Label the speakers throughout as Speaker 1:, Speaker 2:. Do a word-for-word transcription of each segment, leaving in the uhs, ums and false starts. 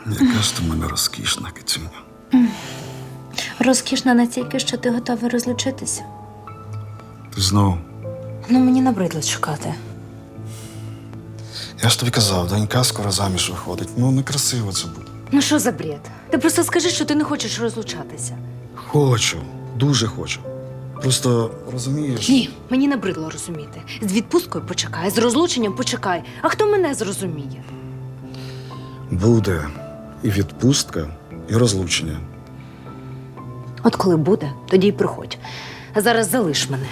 Speaker 1: Яка ж ти в мене розкішна, кицюня.
Speaker 2: Розкішна настільки, що ти готовий розлучитися.
Speaker 1: Ти знову.
Speaker 2: Ну, мені набридло чекати.
Speaker 1: Я ж тобі казав, донька скоро заміж виходить. Ну, некрасиво це буде.
Speaker 2: Ну що за бред? Ти просто скажи, що ти не хочеш розлучатися.
Speaker 1: Хочу, дуже хочу. Просто, розумієш...
Speaker 2: Ні, мені набридло розуміти. З відпусткою почекай, з розлученням почекай. А хто мене зрозуміє?
Speaker 1: Буде і відпустка, і розлучення.
Speaker 2: От коли буде, тоді й приходь. А зараз залиш мене.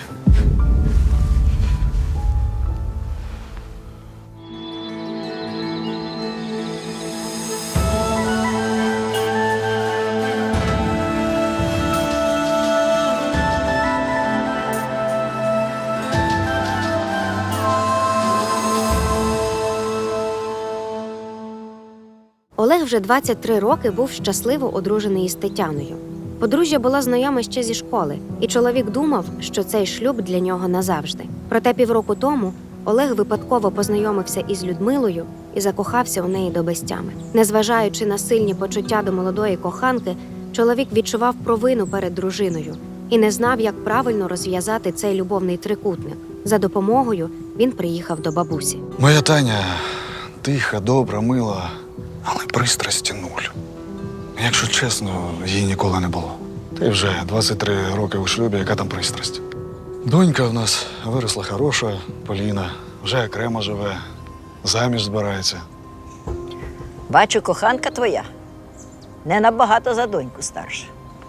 Speaker 3: Олег вже двадцять три роки був щасливо одружений із Тетяною. Подружжя була знайома ще зі школи, і чоловік думав, що цей шлюб для нього назавжди. Проте півроку тому Олег випадково познайомився із Людмилою і закохався у неї до безтями. Незважаючи на сильні почуття до молодої коханки, чоловік відчував провину перед дружиною і не знав, як правильно розв'язати цей любовний трикутник. За допомогою він приїхав до бабусі.
Speaker 1: Моя Таня тиха, добра, мила, але пристрасті нуль. Якщо чесно, її ніколи не було. Та й вже двадцять три роки у шлюбі, яка там пристрасть. Донька в нас виросла хороша, Поліна, вже окремо живе, заміж збирається.
Speaker 4: Бачу, коханка твоя не набагато за доньку старша.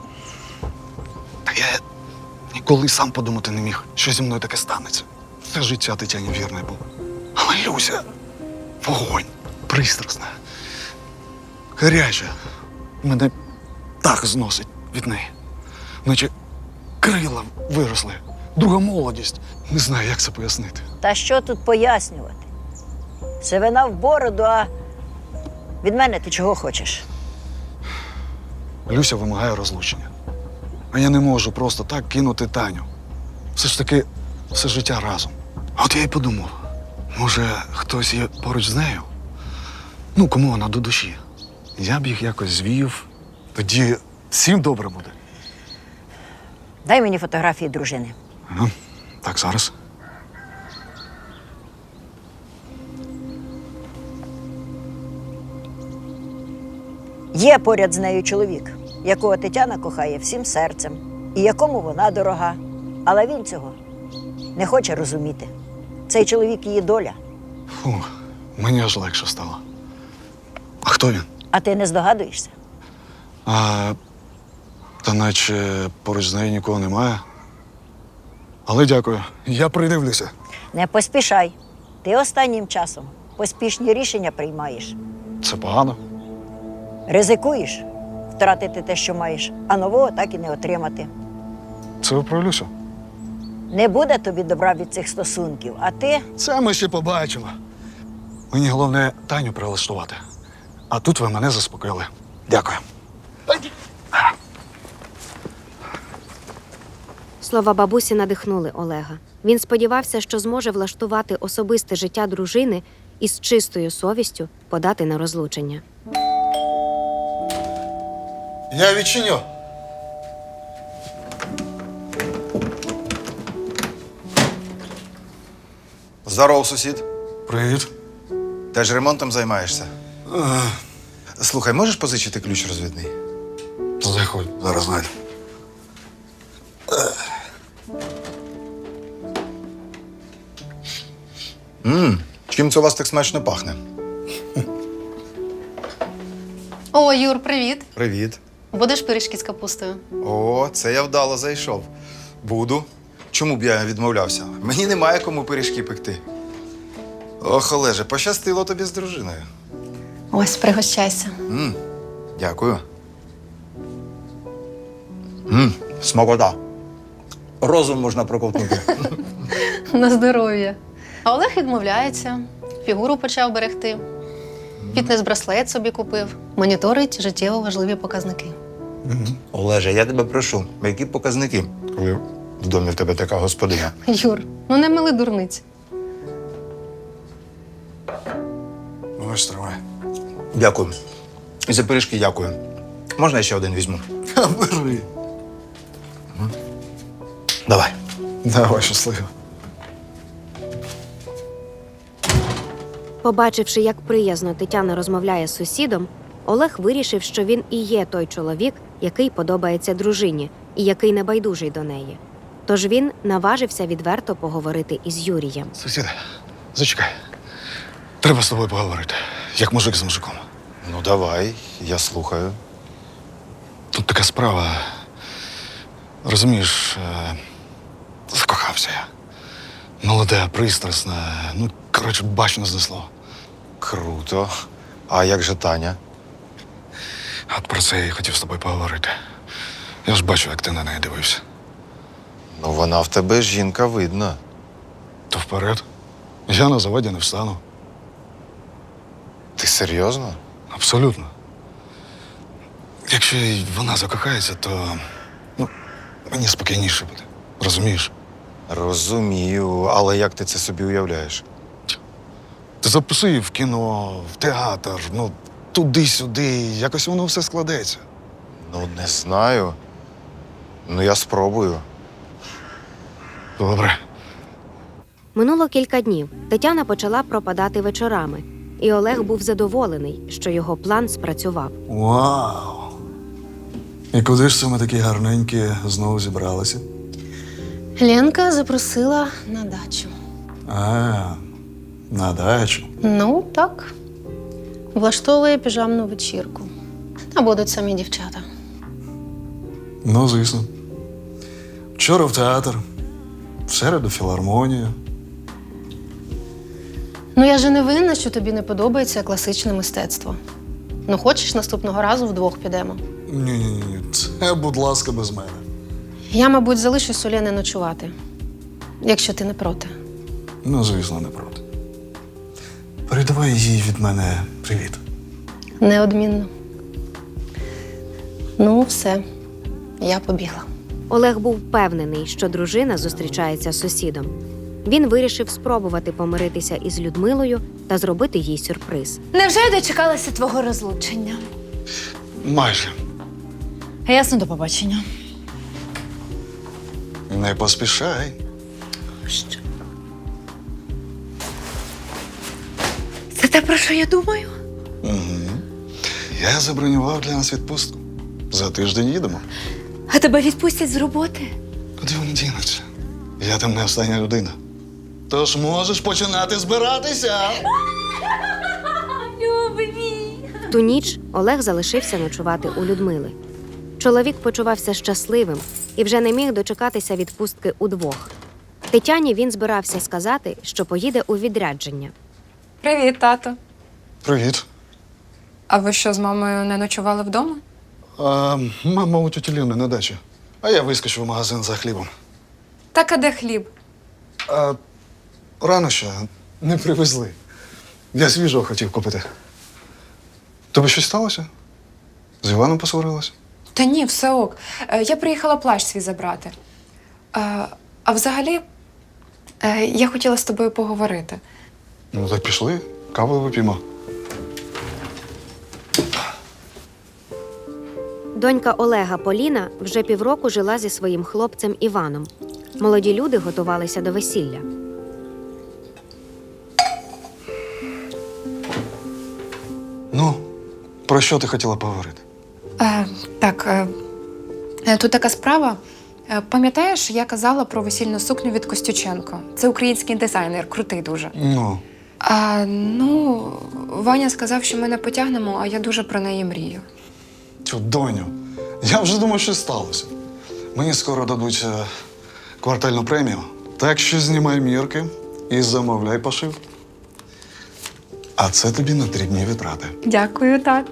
Speaker 1: Та я ніколи сам подумати не міг, що зі мною таке станеться. Все життя Тетяні вірне було. Але Люся – вогонь, пристрасна, гаряча. Мене так зносить від неї. Наче крила виросли, друга молодість. Не знаю, як це пояснити.
Speaker 4: Та що тут пояснювати? Сивина в бороду, а від мене ти чого хочеш?
Speaker 1: Люся вимагає розлучення. А я не можу просто так кинути Таню. Все ж таки, все життя разом. А от я й подумав, може, хтось є поруч з нею? Ну, кому вона до душі? Я б їх якось звів. Тоді всім добре буде.
Speaker 4: Дай мені фотографії дружини.
Speaker 1: Ага. Так, зараз.
Speaker 4: Є поряд з нею чоловік, якого Тетяна кохає всім серцем, і якому вона дорога. Але він цього не хоче розуміти. Цей чоловік – її доля.
Speaker 1: Фух, мені аж легше стало. А хто він?
Speaker 4: А ти не здогадуєшся?
Speaker 1: А, та наче поруч з нею нікого немає. Але дякую, я придивлюся.
Speaker 4: Не поспішай. Ти останнім часом поспішні рішення приймаєш.
Speaker 1: Це погано?
Speaker 4: Ризикуєш втратити те, що маєш, а нового так і не отримати.
Speaker 1: Це ви про Люсю?
Speaker 4: Не буде тобі добра від цих стосунків, а ти…
Speaker 1: Це ми ще побачимо. Мені головне Таню прилаштувати. А тут ви мене заспокоїли. Дякую.
Speaker 3: Слова бабусі надихнули Олега. Він сподівався, що зможе влаштувати особисте життя дружини і з чистою совістю подати на розлучення.
Speaker 1: Я відчиню.
Speaker 5: Здоров, сусід.
Speaker 1: Привіт.
Speaker 5: Теж ремонтом займаєшся? Слухай, можеш позичити ключ розвідний?
Speaker 1: Заходь, зараз знайду.
Speaker 5: Ммм, чим це у вас так смачно пахне?
Speaker 6: О, Юр, привіт.
Speaker 5: Привіт.
Speaker 6: Будеш пиріжки з капустою?
Speaker 5: О, це я вдало зайшов. Буду. Чому б я відмовлявся? Мені немає кому пиріжки пекти. Ох, Олеже, пощастило тобі з дружиною.
Speaker 6: Ось, пригощайся.
Speaker 5: Ммм, дякую. Ммм, смакота. Розум можна проковтнути.
Speaker 6: На здоров'я. А Олег відмовляється, фігуру почав берегти. Фітнес-браслет собі купив. Моніторить життєво важливі показники.
Speaker 5: Олеже, я тебе прошу, які показники, коли в домі в тебе така господиня?
Speaker 6: Юр, ну не мили дурниць.
Speaker 1: Ось, тримай.
Speaker 5: Дякую. І за пиріжки дякую. Можна я ще один візьму?
Speaker 1: Бери.
Speaker 5: Давай.
Speaker 1: Давай, щасливо.
Speaker 3: Побачивши, як приязно Тетяна розмовляє з сусідом, Олег вирішив, що він і є той чоловік, який подобається дружині і який небайдужий до неї. Тож він наважився відверто поговорити із Юрієм.
Speaker 1: Сусіде, зачекай. Треба з тобою поговорити, як мужик з мужиком.
Speaker 5: Ну, давай, я слухаю.
Speaker 1: Тут така справа. Розумієш, е, закохався я. Молоде, пристрасне. Ну, коротше, бачно знесло.
Speaker 5: Круто. А як же Таня?
Speaker 1: От про це я і хотів з тобою поговорити. Я ж бачу, як ти на неї дивився.
Speaker 5: Ну, вона в тебе жінка видна.
Speaker 1: То вперед. Я на заводі не встану.
Speaker 5: Ти серйозно?
Speaker 1: Абсолютно. Якщо й вона закохається, то ну, мені спокійніше буде. Розумієш?
Speaker 5: Розумію, але як ти це собі уявляєш?
Speaker 1: Ти запиши її в кіно, в театр, ну, туди-сюди, якось воно все складеться.
Speaker 5: Ну, не знаю. Ну, я спробую.
Speaker 1: Добре.
Speaker 3: Минуло кілька днів. Тетяна почала пропадати вечорами, і Олег був задоволений, що його план спрацював.
Speaker 1: Вау! І куди ж це ми такі гарненькі знову зібралися?
Speaker 6: Ленка запросила на дачу.
Speaker 1: А, на дачу.
Speaker 6: Ну, так. Влаштовує піжамну вечірку. Та будуть самі дівчата.
Speaker 1: Ну, звісно. Вчора в театр, в середу філармонію.
Speaker 6: Ну, я же не винна, що тобі не подобається класичне мистецтво. Ну, хочеш, наступного разу вдвох підемо?
Speaker 1: Ні-ні-ні, це, будь ласка, без мене.
Speaker 6: Я, мабуть, залишусь у Лени ночувати, якщо ти не проти.
Speaker 1: Ну, звісно, не проти. Передавай їй від мене привіт.
Speaker 6: Неодмінно. Ну, все. Я побігла.
Speaker 3: Олег був впевнений, що дружина зустрічається з сусідом. Він вирішив спробувати помиритися із Людмилою та зробити їй сюрприз.
Speaker 2: Невже я дочекалася твого розлучення?
Speaker 1: Майже.
Speaker 2: Ясно, до побачення.
Speaker 1: Не поспішай.
Speaker 2: Що? Це те, про що я думаю?
Speaker 1: Угу. Я забронював для нас відпустку. За тиждень їдемо.
Speaker 2: А тебе відпустять з роботи?
Speaker 1: Куди вони дінуться? Я там не остання людина. Тож можеш починати збиратися.
Speaker 2: Любий мій!
Speaker 3: В ту ніч Олег залишився ночувати у Людмили. Чоловік почувався щасливим і вже не міг дочекатися відпустки удвох. Тетяні він збирався сказати, що поїде у відрядження.
Speaker 7: Привіт, тато.
Speaker 1: Привіт.
Speaker 7: А ви що, з мамою не ночували вдома?
Speaker 1: А, мама у тіті Ліни на дачі. А я вискочив в магазин за хлібом.
Speaker 7: Так, а де хліб?
Speaker 1: А рано ще не привезли. Я свіжого хотів купити. Тобі щось сталося? З Іваном посварилася?
Speaker 7: Та ні, все ок. Е, Я приїхала плащ свій забрати. Е, А взагалі, е, я хотіла з тобою поговорити.
Speaker 1: Ну, так пішли, каву вип'ємо.
Speaker 3: Донька Олега Поліна вже півроку жила зі своїм хлопцем Іваном. Молоді люди готувалися до весілля.
Speaker 1: Ну, про що ти хотіла поговорити?
Speaker 7: Е, Так, е, е, тут така справа. Е, Пам'ятаєш, я казала про весільну сукню від Костюченко? Це український дизайнер, крутий дуже.
Speaker 1: Ну,
Speaker 7: А, ну, Ваня сказав, що ми не потягнемо, а я дуже про неї мрію.
Speaker 1: цю доню. Я вже думав, що сталося. Мені скоро дадуть е, квартальну премію. Так що знімай мірки і замовляй пошив. А це тобі на три дні витрати.
Speaker 7: Дякую, тату.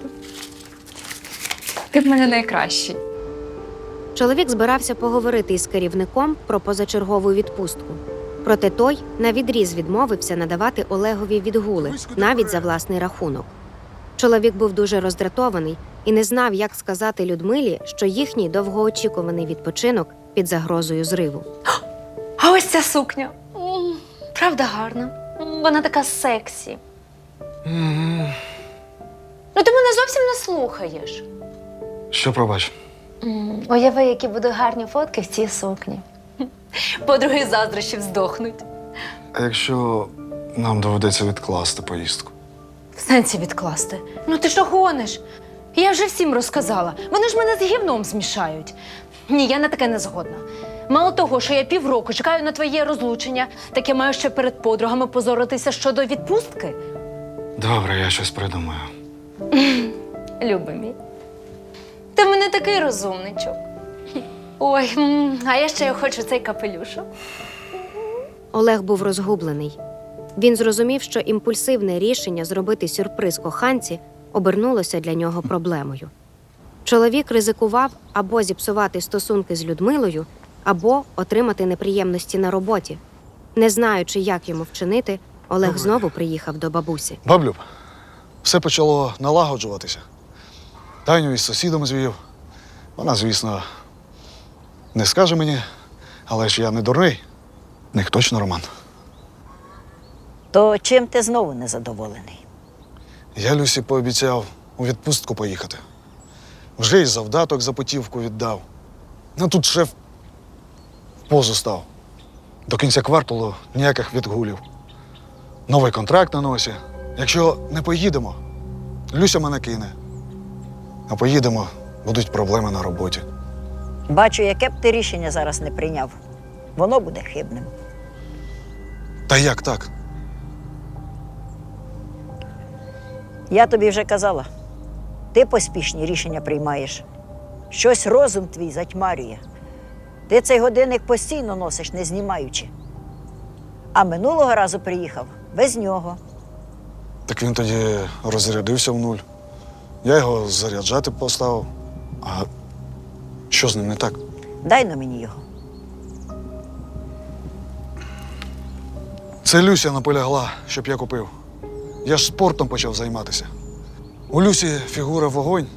Speaker 7: Ти в мене найкращий.
Speaker 3: Чоловік збирався поговорити із керівником про позачергову відпустку. Проте той навідріз відмовився надавати Олегові відгули, навіть за власний рахунок. Чоловік був дуже роздратований і не знав, як сказати Людмилі, що їхній довгоочікуваний відпочинок під загрозою зриву.
Speaker 2: А ось ця сукня. М, Правда гарна. М, Вона така сексі. Ну, ти мене зовсім не слухаєш?
Speaker 1: Що пробач?
Speaker 2: М, Уяви, які будуть гарні фотки в цій сукні. Подруги заздрощів здохнуть.
Speaker 1: А якщо нам доведеться відкласти поїздку?
Speaker 2: В сенсі відкласти. Ну ти що гониш? Я вже всім розказала. Вони ж мене з гівном змішають. Ні, я на таке не згодна. Мало того, що я півроку чекаю на твоє розлучення, так я маю ще перед подругами позоритися щодо відпустки.
Speaker 1: Добре, я щось придумаю.
Speaker 2: Любий мій. Ти в мене такий розумничок. Ой, м, а я ще хочу цей капелюшок.
Speaker 3: Олег був розгублений. Він зрозумів, що імпульсивне рішення зробити сюрприз коханці обернулося для нього проблемою. Чоловік ризикував або зіпсувати стосунки з Людмилою, або отримати неприємності на роботі. Не знаючи, як йому вчинити, Олег
Speaker 1: Добре.
Speaker 3: знову приїхав до бабусі.
Speaker 1: Баблюб, все почало налагоджуватися. Таню із сусідом звів. Вона, звісно, не скаже мені, але ж я не дурний. В них точно роман.
Speaker 4: То чим ти знову незадоволений?
Speaker 1: Я Люсі пообіцяв у відпустку поїхати. Вже й завдаток за путівку віддав. Ну тут шеф в позу став. До кінця кварталу ніяких відгулів. Новий контракт на носі. Якщо не поїдемо, Люся мене кине. А поїдемо, будуть проблеми на роботі.
Speaker 4: Бачу, яке б ти рішення зараз не прийняв, воно буде хибним.
Speaker 1: Та як так?
Speaker 4: Я тобі вже казала, ти поспішні рішення приймаєш. Щось розум твій затьмарює. Ти цей годинник постійно носиш, не знімаючи. А минулого разу приїхав без нього.
Speaker 1: Так він тоді розрядився в нуль. Я його заряджати поставив. А що з ним не так?
Speaker 4: Дай на мені його.
Speaker 1: Це Люся наполягла, щоб я купив. Я ж спортом почав займатися. У Люсі фігура вогонь.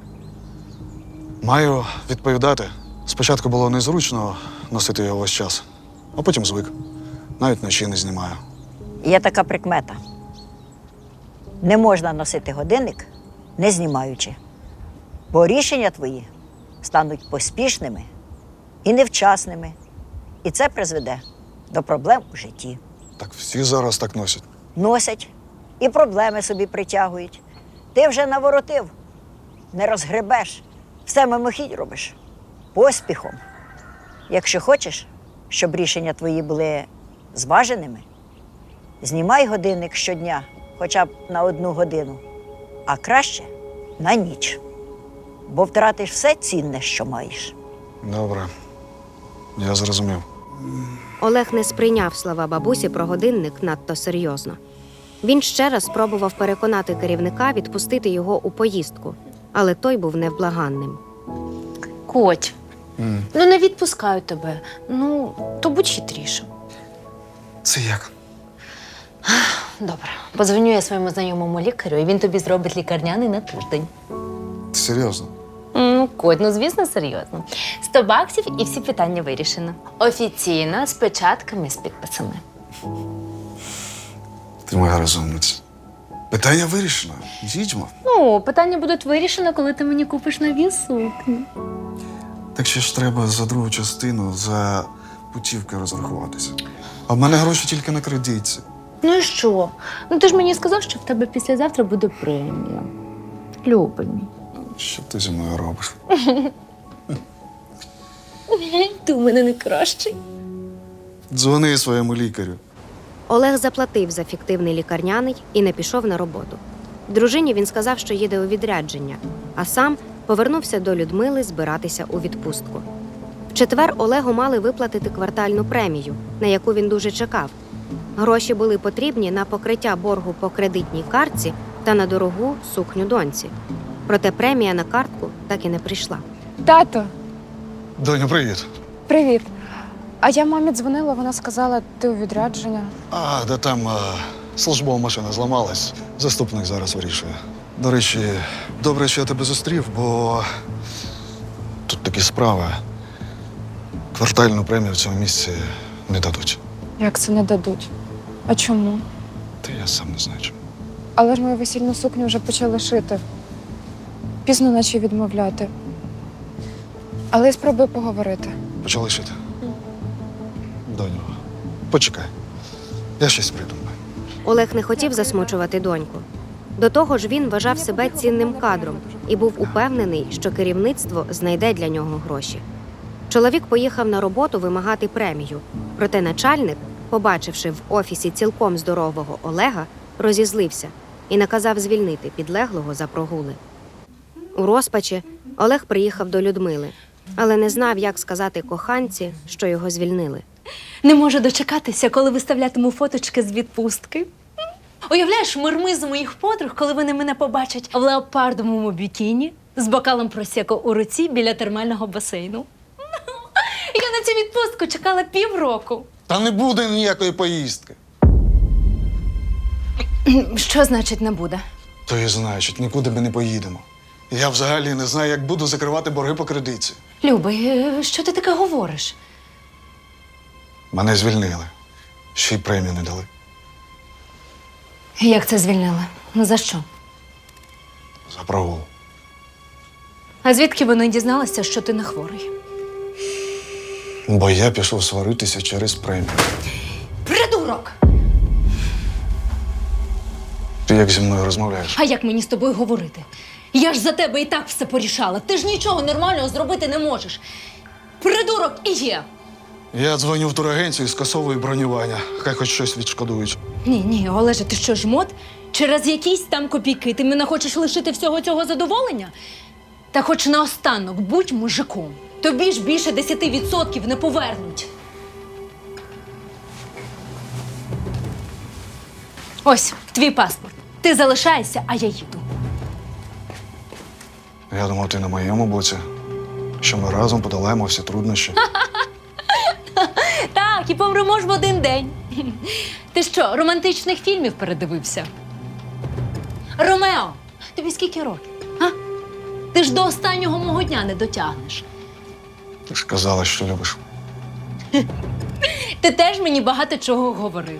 Speaker 1: Маю відповідати. Спочатку було незручно носити його весь час, а потім звик. Навіть вночі не знімаю.
Speaker 4: Є така прикмета. Не можна носити годинник, не знімаючи. Бо рішення твої стануть поспішними і невчасними. І це призведе до проблем у житті.
Speaker 1: Так всі зараз так носять.
Speaker 4: Носять і проблеми собі притягують. Ти вже наворотив, не розгребеш, все мимохідь робиш. Поспіхом. Якщо хочеш, щоб рішення твої були зваженими, знімай годинник щодня, хоча б на одну годину, а краще на ніч. Бо втратиш все цінне, що маєш.
Speaker 1: Добре, я зрозумів.
Speaker 3: Олег не сприйняв слова бабусі про годинник надто серйозно. Він ще раз спробував переконати керівника відпустити його у поїздку, але той був невблаганним.
Speaker 2: Коть, ну не відпускаю тебе. Ну, то будь хитрішим.
Speaker 1: Це як?
Speaker 2: Добре. Позвоню я своєму знайомому лікарю, і він тобі зробить лікарняний на тиждень.
Speaker 1: Ти серйозно?
Speaker 2: Ну, Коть, ну звісно, серйозно. Сто баксів і всі питання вирішено. Офіційно, з печатками, з підписами.
Speaker 1: Ти моя розумниця. Питання вирішено. Їдьмо.
Speaker 2: Ну, питання будуть вирішено, коли ти мені купиш нові сукні.
Speaker 1: Так ще ж треба за другу частину за путівки розрахуватися. А в мене гроші тільки на кредитці.
Speaker 2: Ну і що? Ну ти ж мені сказав, що в тебе післязавтра буде премія. Любий мій.
Speaker 1: Що ти зі мною робиш?
Speaker 2: Ти у мене не кращий.
Speaker 1: Дзвони своєму лікарю.
Speaker 3: Олег заплатив за фіктивний лікарняний і не пішов на роботу. Дружині він сказав, що їде у відрядження, а сам повернувся до Людмили збиратися у відпустку. В четвер Олегу мали виплатити квартальну премію, на яку він дуже чекав. Гроші були потрібні на покриття боргу по кредитній картці та на дорогу сукню доньці. Проте премія на картку так і не прийшла.
Speaker 7: Тато,
Speaker 1: Доню, привіт.
Speaker 7: привіт. А я мамі дзвонила, вона сказала, ти у відрядження.
Speaker 1: А, де там а, службова машина зламалась. Заступник зараз вирішує. До речі, добре, що я тебе зустрів, бо тут такі справи. Квартальну премію в цьому місці не дадуть.
Speaker 7: Як це не дадуть? А чому?
Speaker 1: Та я сам не знаю чому.
Speaker 7: Але ж мою весільну сукню вже почали шити. пізно наче відмовляти. Але я спробую поговорити.
Speaker 1: Почали шити. Доню, почекай. Я щось придумаю.
Speaker 3: Олег не хотів засмучувати доньку. До того ж, він вважав себе цінним кадром і був упевнений, що керівництво знайде для нього гроші. Чоловік поїхав на роботу вимагати премію, проте начальник, побачивши в офісі цілком здорового Олега, розізлився і наказав звільнити підлеглого за прогули. У розпачі Олег приїхав до Людмили, але не знав, як сказати коханці, що його звільнили.
Speaker 2: Не можу дочекатися, коли виставлятиму фоточки з відпустки. Уявляєш, мирмизу моїх подруг, коли вони мене побачать в леопардовому бікіні з бокалом просеко у руці біля термального басейну. Я на цю відпустку чекала півроку.
Speaker 1: Та не буде ніякої поїздки.
Speaker 2: Що значить не буде?
Speaker 1: То і значить, нікуди ми не поїдемо. Я взагалі не знаю, як буду закривати борги по кредитці.
Speaker 2: Любий, е, що ти таке говориш?
Speaker 1: Мене звільнили. Ще й премію не дали.
Speaker 2: Як це звільнили? Ну за що?
Speaker 1: За прогул.
Speaker 2: А звідки вони дізналися, що ти не хворий?
Speaker 1: Бо я пішов сваритися через премію.
Speaker 2: Придурок!
Speaker 1: Ти як зі мною розмовляєш?
Speaker 2: А як мені з тобою говорити? Я ж за тебе і так все порішала. Ти ж нічого нормального зробити не можеш. Придурок і є.
Speaker 1: Я дзвоню в турагенцію і скасовую бронювання. Хай хоч щось відшкодують.
Speaker 2: Ні, ні, Олеже, ти що, жмот? Через якісь там копійки ти мене хочеш лишити всього цього задоволення? Та хоч наостанок будь мужиком. Тобі ж більше десяти відсотків не повернуть. Ось, твій паспорт. Ти залишаєшся, а я їду.
Speaker 1: Я думав, ти на моєму боці, що ми разом подолаємо всі труднощі.
Speaker 2: Так, і помремо ж в один день. Ти що, романтичних фільмів передивився? Ромео, тобі скільки років? А? Ти ж до останнього мого дня не дотягнеш.
Speaker 1: Ти ж казала, що любиш.
Speaker 2: Ти теж мені багато чого говорив.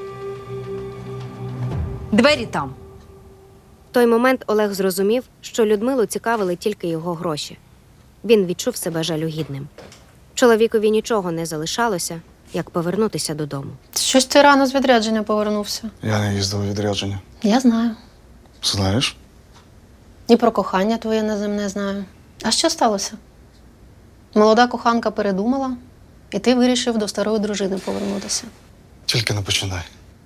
Speaker 2: Двері там.
Speaker 3: В той момент Олег зрозумів, що Людмилу цікавили тільки його гроші. Він відчув себе жалюгідним. Чоловікові нічого не залишалося, як повернутися додому.
Speaker 6: Щось ти рано з відрядження повернувся.
Speaker 1: Я не їздив у відрядження.
Speaker 6: Я знаю.
Speaker 1: Знаєш?
Speaker 6: І про кохання твоє неземне знаю. А що сталося? Молода коханка передумала, і ти вирішив до старої дружини повернутися.
Speaker 1: Тільки не починай.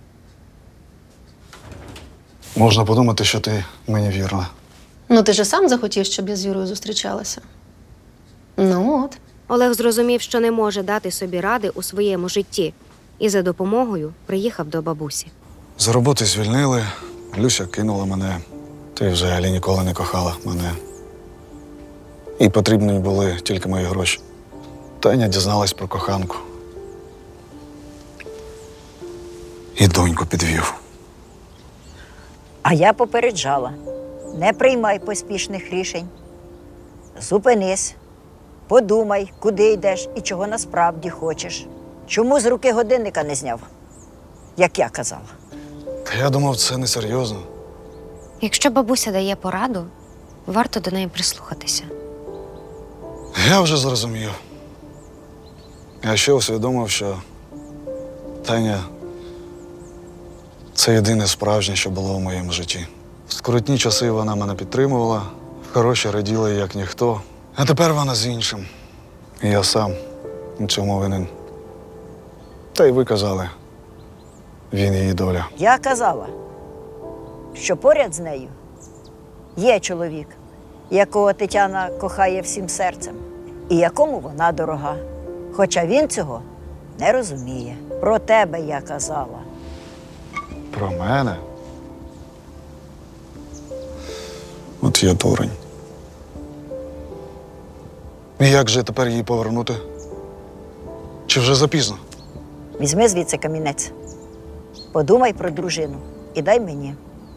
Speaker 1: Можна подумати, що ти мені вірна.
Speaker 6: Ну, ти ж сам захотів, щоб я з Юрою зустрічалася. Ну от.
Speaker 3: Олег зрозумів, що не може дати собі ради у своєму житті, і за допомогою приїхав до бабусі.
Speaker 1: З роботи звільнили, Люся кинула мене. Ти взагалі ніколи не кохала мене. І потрібні були тільки мої гроші. Таня дізналась про коханку. І доньку підвів.
Speaker 4: А я попереджала. Не приймай поспішних рішень. Зупинись, подумай, куди йдеш і чого насправді хочеш. Чому з руки годинника не зняв, як я казала?
Speaker 1: Та я думав, це несерйозно.
Speaker 3: Якщо бабуся дає пораду, варто до неї прислухатися.
Speaker 1: Я вже зрозумів. Я ще усвідомив, що Таня – це єдине справжнє, що було в моєму житті. В скрутні часи вона мене підтримувала, в хороші раділа, як ніхто. А тепер вона з іншим. І я сам у цьому винен. Та й ви казали, він її доля.
Speaker 4: Я казала, що поряд з нею є чоловік, якого Тетяна кохає всім серцем, і якому вона дорога. Хоча він цього не розуміє. Про тебе я казала.
Speaker 1: Про мене? От я дурень. І як же тепер її повернути? Чи вже запізно?
Speaker 4: Візьми звідси камінець. Подумай про дружину і дай мені.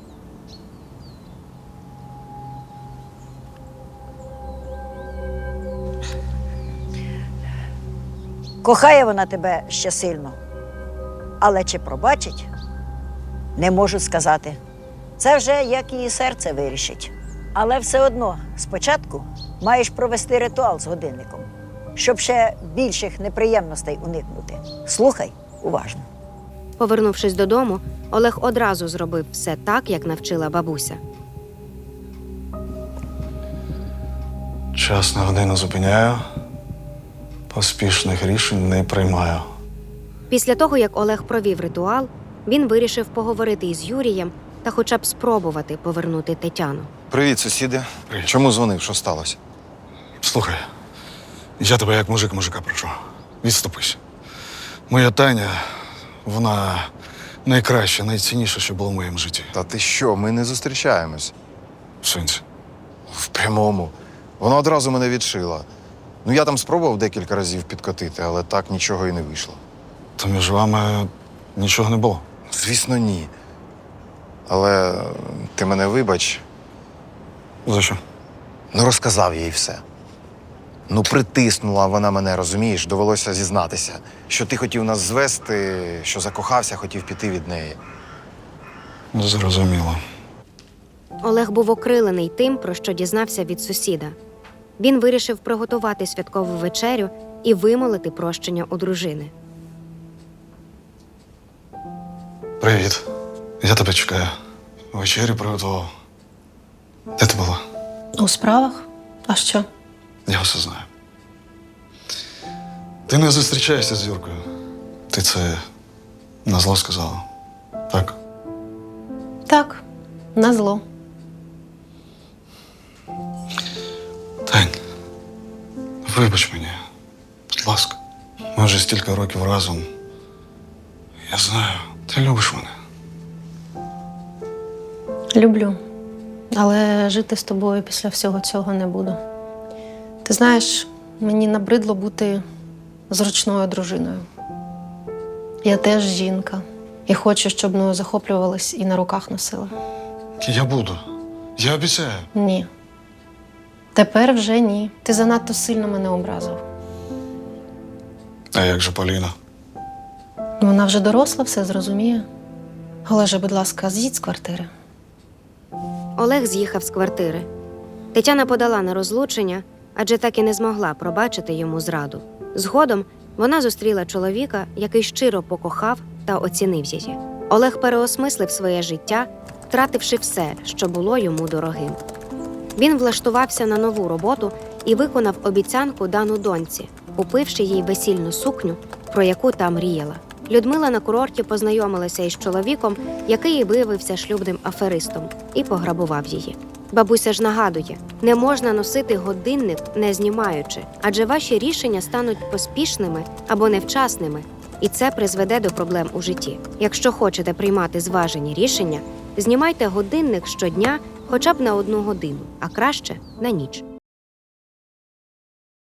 Speaker 4: Кохає вона тебе ще сильно, але чи пробачить, не можу сказати. Це вже як її серце вирішить. Але все одно спочатку маєш провести ритуал з годинником, щоб ще більших неприємностей уникнути. Слухай уважно.
Speaker 3: Повернувшись додому, Олег одразу зробив все так, як навчила бабуся.
Speaker 1: Час на годину зупиняю, поспішних рішень не приймаю.
Speaker 3: Після того, як Олег провів ритуал, він вирішив поговорити із Юрієм та хоча б спробувати повернути Тетяну.
Speaker 5: Привіт, сусіди.
Speaker 1: Привіт.
Speaker 5: Чому дзвонив? Що сталося?
Speaker 1: Слухай, я тебе як мужик мужика прошу. Відступись. Моя Таня, вона найкраща, найцінніша, що було в моєму житті.
Speaker 5: Та ти що, ми не зустрічаємось.
Speaker 1: В сенсі.
Speaker 5: В прямому. Вона одразу мене відшила. Ну, я там спробував декілька разів підкотити, але так нічого і не вийшло.
Speaker 1: То між вами нічого не було.
Speaker 5: Звісно, ні. Але ти мене вибач,
Speaker 1: За що?
Speaker 5: ну розказав їй все. Ну, притиснула вона мене, розумієш, довелося зізнатися, що ти хотів нас звести, що закохався, хотів піти від неї.
Speaker 1: Зрозуміло.
Speaker 3: Олег був окрилений тим, про що дізнався від сусіда. Він вирішив приготувати святкову вечерю і вимолити прощення у дружини.
Speaker 1: Привіт. Я тебе чекаю. Вечерю приготував. Де ти була?
Speaker 6: У справах? А що?
Speaker 1: Я все знаю. Ти не зустрічаєшся з Юркою. Ти це назло сказала. Так?
Speaker 6: Так, назло.
Speaker 1: Тань, вибач мені, будь ласка. Ми вже стільки років разом. Я знаю, ти любиш мене.
Speaker 6: Люблю. Але жити з тобою після всього цього не буду. Ти знаєш, мені набридло бути зручною дружиною. Я теж жінка. І хочу, щоб мною захоплювались і на руках носили.
Speaker 1: Я буду. Я обіцяю.
Speaker 6: Ні. Тепер вже ні. Ти занадто сильно мене образив.
Speaker 1: А як же Поліна?
Speaker 6: Вона вже доросла, все зрозуміє. Олеже, будь ласка, з'їдь з квартири.
Speaker 3: Олег з'їхав з квартири. Тетяна подала на розлучення, адже так і не змогла пробачити йому зраду. Згодом вона зустріла чоловіка, який щиро покохав та оцінив її. Олег переосмислив своє життя, втративши все, що було йому дорогим. Він влаштувався на нову роботу і виконав обіцянку дану доньці, купивши їй весільну сукню, про яку та мріяла. Людмила на курорті познайомилася із чоловіком, який виявився шлюбним аферистом, і пограбував її. Бабуся ж нагадує, не можна носити годинник, не знімаючи, адже ваші рішення стануть поспішними або невчасними, і це призведе до проблем у житті. Якщо хочете приймати зважені рішення, знімайте годинник щодня хоча б на одну годину, а краще – на ніч.